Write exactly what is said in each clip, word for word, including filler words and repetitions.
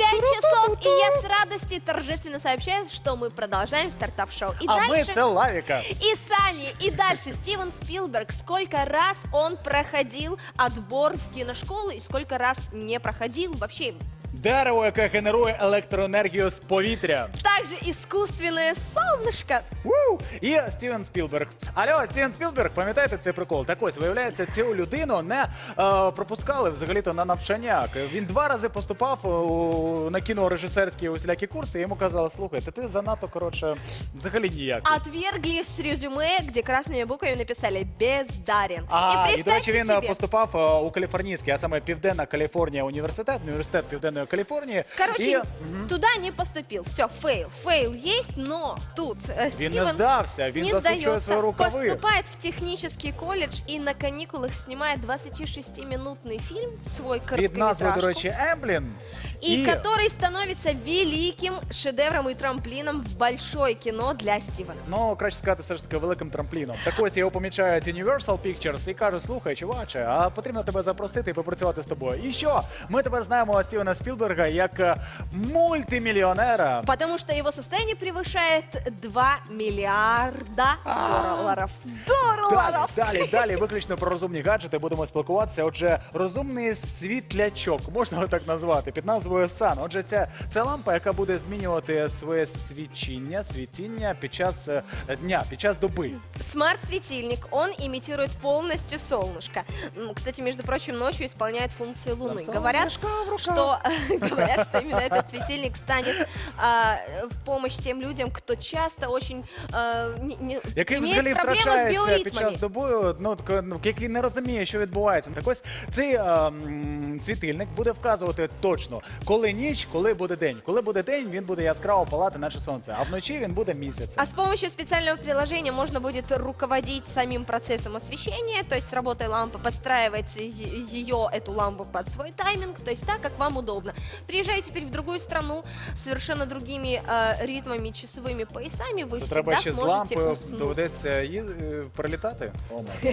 пять часов, и я с радостью торжественно сообщаю, что мы продолжаем стартап-шоу. И А ми дальше... це Лавіка. И Санни, и дальше Стивен Спилберг. Сколько раз он проходил отбор в киношколу и сколько раз не проходил вообще. Дерево, яке генерує електроенергію з повітря. Также искусственное солнышко. Ву! І Стівен Спілберг. Алло, Стівен Спілберг, пам'ятаєте цей прикол? Так ось, виявляється, цю людину не е, пропускали взагалі-то на навчання. Він два рази поступав у, на кінорежисерські усілякі курси, і йому казали, слухай, ти занадто, коротше, взагалі ніяк. Отвергли с резюме, где красными буквами написали «бездарен». А, і, и до речі, він себе, поступав е, у Каліфорнійський, а саме Південна Каліфорнія університет, університет Південної Каліфорнії. короче, І... туда не поступил. Все, фейл. Фейл есть, но тут э, Він не Стивен здався, він не засучує сдается, свої рукави. поступает в технический колледж и на каникулах снимает двадцатишестиминутный фильм, свой Від назви, до короткометражку. речі, Емблін. И который становится великим шедевром и трамплином в большое кино для Стивена. Ну, краще сказати, все ж таки великим трампліном. Так ось його помічають Universal Pictures і каже, слухай, чуваче, а потрібно тебе запросити і попрацювати з тобою. І що? Ми тепер знаємо Стівена Спілберга як е, мультимільйонера. Потому что его состояние превышает два миллиарда долларов. Далі, Долларов! далі, далі, виключно про розумні гаджети будемо спілкуватися. Отже, розумний світлячок, можна його так назвати, під назвою Sun. Отже, це, це лампа, яка буде змінювати своє свічіння, світіння під час е, дня, під час доби. Смарт-светильник, он имитирует полностью солнышко. М, Кстати, между прочим, ночью исполняет функции Луны. Там Говорят, солнышко в руках. что, говорят, что именно этот светильник станет а, в помощь тем людям, кто часто очень а, не, не, Який имеет взагалі проблемы с втрачається під биоритмами. час доби, ну, так, ну, який не розуміє, що відбувається. Так ось цей е, м, світильник буде вказувати точно, коли ніч, коли буде день. Коли буде день, він буде яскраво палати, наче сонце, а вночі він буде місяцем. А с помощью специального приложения можно будет руководить самим процессом освещения, то есть с работой лампы, подстраивать е- ее, эту лампу под свой тайминг, то есть так, как вам удобно. Приезжая теперь в другую страну с совершенно другими э, ритмами, часовыми поясами, вы Це всегда треба ще з сможете лампою уснуть. доведеться ї- е, перелітати. О, май.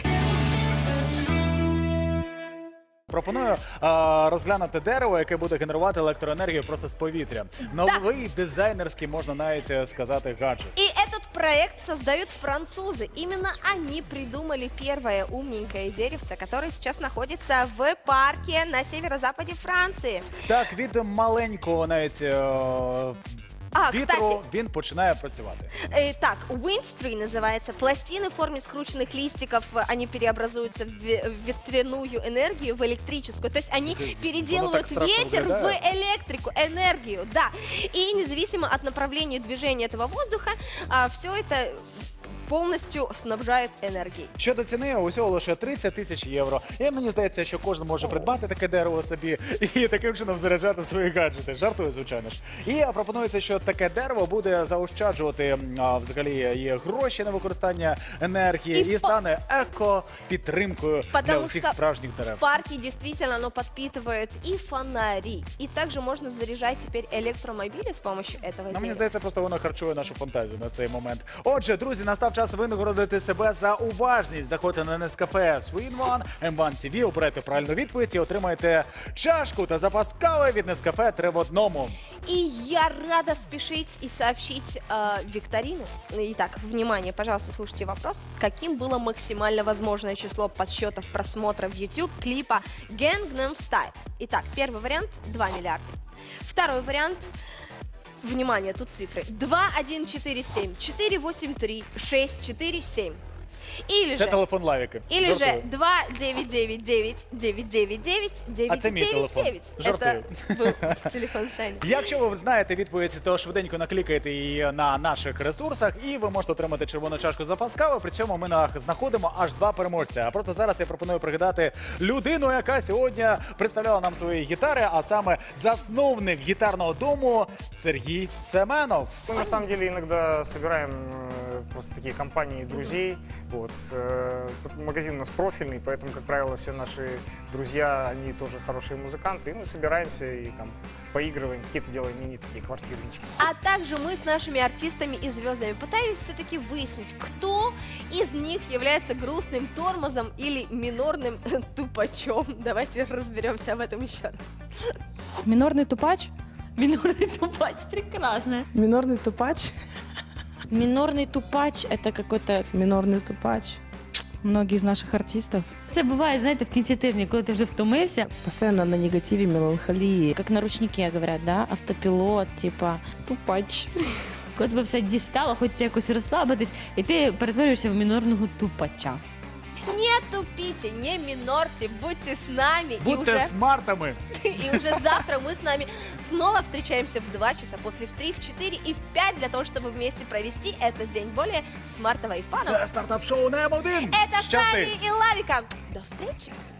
Пропоную а, розглянути дерево, яке буде генерувати електроенергію просто з повітря. Новий дизайнерський, можна навіть е, сказати, гаджет. И этот проект создают французы. Именно они придумали первое умненькое деревце, которое сейчас находится в парке на северо-западе Франции. Так, від маленького навіть е, А, вітру кстати, він починає працювати. Э, так, Windtree называется. Пластины в форме скрученных листиков, э, они преобразуются в ве- в ветряную энергию, в электрическую. То есть они Оно так переделывают страшно ветер в выглядит. электрику, энергию, да. И независимо от направления движения этого воздуха, все это полностью снабжает энергией. Щодо ціни, усього лише тридцять тисяч євро. І мені здається, що кожен може придбати таке дерево собі і таким чином заряджати свої гаджети. Жартую, звичайно ж. І пропонується, що таке дерево буде заощаджувати м, а, взагалі і гроші на використання енергії І і, по- стане еко-підтримкою для Потому усіх что справжніх В дерев. парке действительно оно подпитывает и фонари, и также можно заряжать теперь электромобили с помощью этого Ну, мені дерева. здається, просто воно харчує нашу фантазію на цей момент. Отже, друзі, настав час винагородити себе за уважність. Заходьте на Нескафе Swin One, Ем ван Ті Ві, обирайте правильну відповідь і отримаєте чашку та запас кави від Нескафе три в одному. И я рада спешить и сообщить э, викторину. Итак, внимание, пожалуйста, слушайте вопрос. Каким было максимально возможное число подсчетов просмотров YouTube клипа Gangnam Style? Итак, первый вариант – два миллиарда. Второй вариант – внимание, тут цифры. два, один, четыре, семь, четыре, восемь, три, шесть, четыре, семь. Или Це же... телефон Лавіки. Или же Жартую. два девять девять девять девять девять девять девять це мій девять телефон. девять. Жартую. Это был телефон Сани. Якщо ви знаєте відповідь, то швиденько наклікайте її на наших ресурсах, і ви можете отримати червону чашку запас кави. При цьому ми на- знаходимо аж два переможця. А просто зараз я пропоную пригадати людину, яка сьогодні представляла нам свої гітари, а саме засновник гітарного дому Сергій Семенов. Мы на самом деле иногда собираем э, просто такие компании друзей. Вот. э, Магазин у нас профильный, поэтому, как правило, все наши друзья, они тоже хорошие музыканты. И мы собираемся и там поигрываем, какие-то делаем мини такие квартирнички. А также мы с нашими артистами и звездами пытались все-таки выяснить, кто из них является грустным тормозом или минорным тупачом. Давайте разберемся в этом еще раз. Мінорний тупач? Минорный тупач, прекрасно. Минорный тупач. Минорный тупач — это какой-то... Минорный тупач. Многие из наших артистов. Це буває, знаєте, в кінці тижня, коли ти вже втомився. Постоянно на негативе, меланхолии. Как на ручнике говорят, да? Автопилот, типа... Тупач. Коли тебе все дістало, хочеться якось розслабитись, і ти перетворюєшся в мінорного тупача. Не тупите, не минорьте, будьте с нами. И Будьте уже, смартами. и уже завтра мы с нами снова встречаемся в два часа, после в три, в четыре и в пять для того, чтобы вместе провести этот день более смартово и фаново. Це стартап-шоу на М один. Это с Щасти! нами и Лавика. До встречи!